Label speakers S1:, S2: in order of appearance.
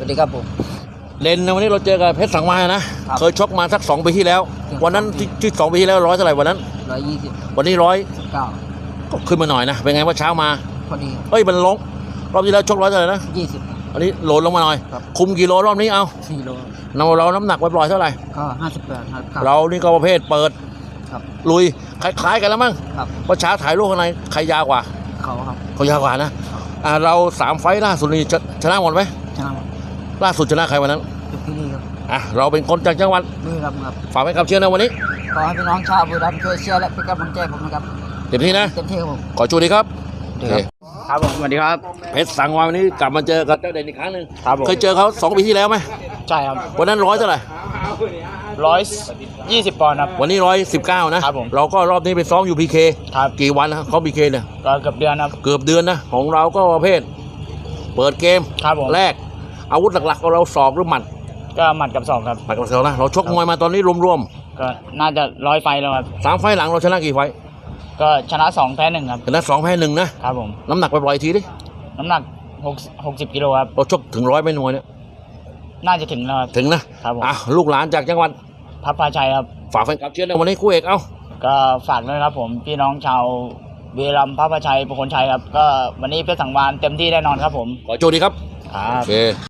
S1: วัสดีครับผม
S2: เลนนะวันนี้เราเจอกับเพชรสังวาลนะเคยชกมาสัก2 ปีที่แล้ววันนั้นที่2 ปีที่แล้ว100เท่าไหร่วันนั้น
S1: 120
S2: วันนี้
S1: 19
S2: ก็ขึ้นมาหน่อยนะเป็นไงว่าเช้ามา
S1: พอดี
S2: เฮ้ยมันลงรอบที่แล้วชก100เท่าไหร่นะ
S1: 20
S2: อันนี้โหลดลงมาหน่อยคุมกิโลรอบนี้เอา
S1: 4 โล
S2: เราน้ำหนักไว้ปล่อยเท่าไหร่
S1: ก็58ครับ
S2: เรานี่ก็ประเภทเปิดลุยคล้ายๆกันแล้วมั้งเพราะเช้าถ่ายรูปข้างในใครยาวกว่า
S1: เขาครับ
S2: เขายาวกว่านะเรา3 ไฟล์ล่าสุดนี่ชนะหมดไหม
S1: ชนะ
S2: ล่าสุดชนะใครวันนั้น
S1: ที่นี่ครับ
S2: เราเป็นคนจากจังหวัด
S1: นี่ครับ
S2: ฝากไว้กับเชียร์นะวันนี้
S1: ขอให้พี่น้องชาวบุรีรัมย์ช่วยเชียร์และเป็นกำลังใจผมนะครับ
S2: เต็มที่นะ
S1: เต็มที่ครับผม
S2: ขอชูดีครับ
S1: ครับผมสวัสดีครับ
S2: เพชรสังวาลวันนี้กลับมาเจอกับเจ้าเด่นอีกครั้งหนึ่งเคยเจอเขา2 ปีที่แล้วไหม
S1: ใช่ครับ
S2: วันนั้น100เท่าไหร่
S1: 120 ปอนด์ครับ
S2: วันนี้119นะครับผมเราก็รอบนี้ไปซ้อมอยู่พีเคกี่วันนะเขาพีเคเนี่ย
S1: ก็เกือบเดือนครับ
S2: เกือบเดือนนะของเราก็ประเภทเปิดเกมแรกอาวุธหลักๆของเราศอกหรือหมัด
S1: ก็หมัดกับศอกครับ
S2: หมัดกับศอกนะเราชกมวยมาตอนนี้รวม
S1: ๆก็น่าจะ100 ไฟล์แล้วครับ
S2: 3 ไฟล์หลังเราชนะกี่ไฟล์
S1: ก็ชนะ2 แพ้1ครับ
S2: ชนะ2 แพ้ 1นะครับผมน้ำหนักไปปล่อยทีดิ
S1: น้ำหนัก60 กิโลครับ
S2: เราชกถึง100ไม่น้อยเนี่ย
S1: น่าจะถึงแล้วครับ
S2: ถึงนะครับผมลูกหลานจากจังหวัด
S1: พระพาชัยครับ
S2: ฝากแฟนคลับเชียร์ในวันนี้คู่เอก
S1: ก็ฝากด้วยครับผมพี่น้องชาวบุรีรัมย์พระพาชัยประโคนชัยครับก็วันนี้เพชรสังวาลเต็มที่แน่นอนครับผม
S2: ขอโชคดีครับ
S1: โอเค